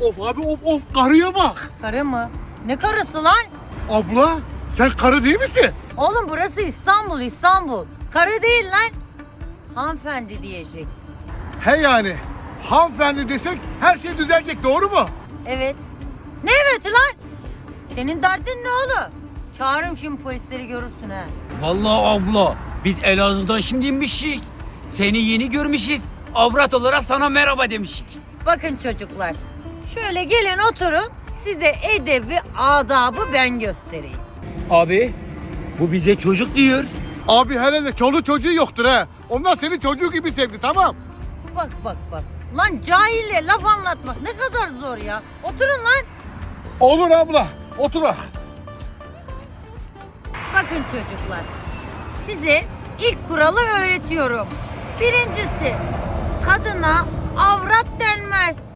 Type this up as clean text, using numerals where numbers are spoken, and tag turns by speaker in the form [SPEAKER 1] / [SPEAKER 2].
[SPEAKER 1] Of abi of karıya bak.
[SPEAKER 2] Karı mı? Ne karısı lan?
[SPEAKER 1] Abla sen karı değil misin?
[SPEAKER 2] Oğlum burası İstanbul, İstanbul. Karı değil lan. Hanımefendi diyeceksin.
[SPEAKER 1] He yani hanımefendi desek her şey düzelecek, doğru mu?
[SPEAKER 2] Evet. Ne evet lan? Senin derdin ne oğlum? Çağırırım şimdi polisleri, görürsün ha.
[SPEAKER 3] Vallahi abla biz Elazığ'dan şimdi inmişiz. Seni yeni görmüşüz. Avrat olarak sana merhaba demişik.
[SPEAKER 2] Bakın çocuklar, şöyle gelin oturun, size edebi, adabı ben göstereyim.
[SPEAKER 3] Abi bu bize çocuk diyor.
[SPEAKER 1] Abi herhalde çoluğu çocuğu yoktur he. Onlar seni çocuğu gibi sevdi, tamam.
[SPEAKER 2] Bak. Lan cahille laf anlatmak ne kadar zor ya. Oturun lan.
[SPEAKER 1] Olur abla otur.
[SPEAKER 2] Bakın çocuklar, size ilk kuralı öğretiyorum. Birincisi, kadına avrat denmez.